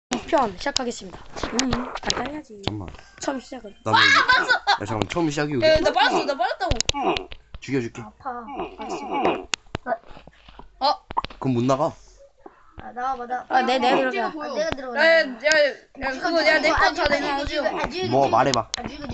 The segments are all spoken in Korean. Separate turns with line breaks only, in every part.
편 시작하겠습니다. 빨리야지.
잠깐만.
처음 시작은.
야 잠깐만 처음 시작이 여기.
나 빨았다고.
죽여줄게.
아파.
그럼 못 나가.
나와봐. 내가 들어가.
내가 들어가.
야, 그거 내거다 내놔줘.
뭐 말해봐.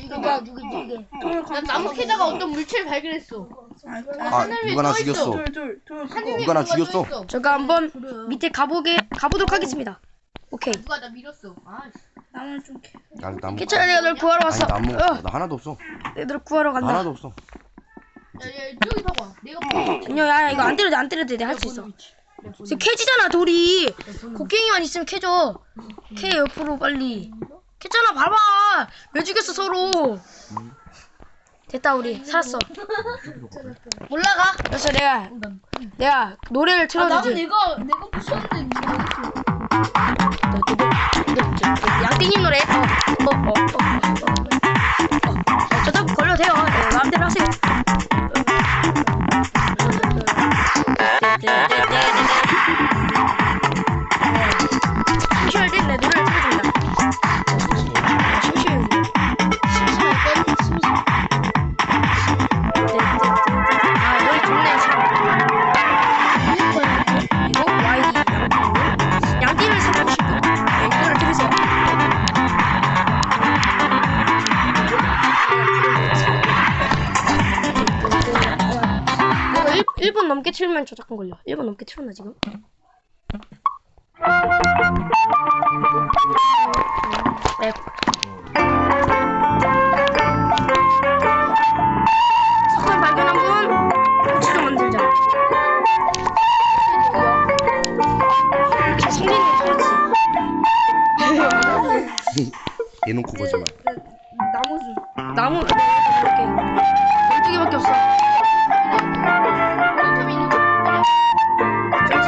나 나무 캐다가 어떤 물체를 발견했어.
아 누가 나 죽였어. 누가 나 죽였어.
제가 한번 밑에 가보도록 하겠습니다. 오케이.
누가 나 밀었어.
나만 좀 캐.
나무.
괜찮아, 내가 널 구하러 왔어.
아니 나무. 나 하나도 없어.
내가 널 구하러 간다.
하나도 없어.
야, 저기 봐봐. 내가
안녕, 야, 이거 안 때려도 돼. 내가 할 수 있어. 지금 캐지잖아, 돌이. 곡괭이만 있으면 캐져. 캐 옆으로 빨리. 캐잖아, 봐봐. 왜 죽였어 서로? 됐다, 우리 살았어. 올라가. 그래서 내가 노래를 틀어주지.
내가 부셨는데
양띵님 노래. 저작 걸려도 돼요. 네, 마음대로 하세요. 심심할 땐내 노래를 틀어준다. 노래 좋네. 이거 YD 양띵을 생각하시고 이거를 들으세요. 1분 넘게 틀면 저작권 걸려. 1분 넘게 틀었나 지금? 네. 석탄 발견한 분 고치 좀 만들자. 성진이 그렇지.
대놓고 거짓말.
나무 이렇게 12개밖에 없어. 그렇지.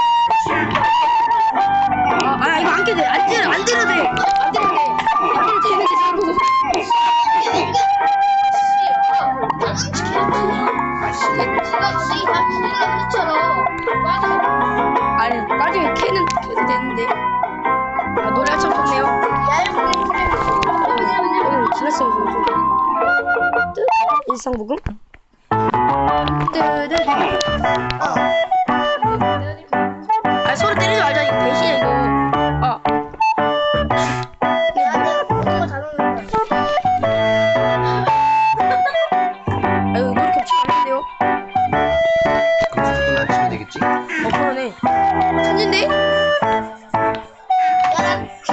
이거 안 깨도 돼. 안 때려도 돼. 안 때려도 돼. 아니 나중에 캐도 되는데. 노래가 참 좋네요. 지났어요 지금. 일상복음. 소리 때리지 말자. 이거 배신이야 이거. 이거 노래 겹치면 안 된대요.
그럼 무조건 안 치면 되겠지?
그러네. 천진데?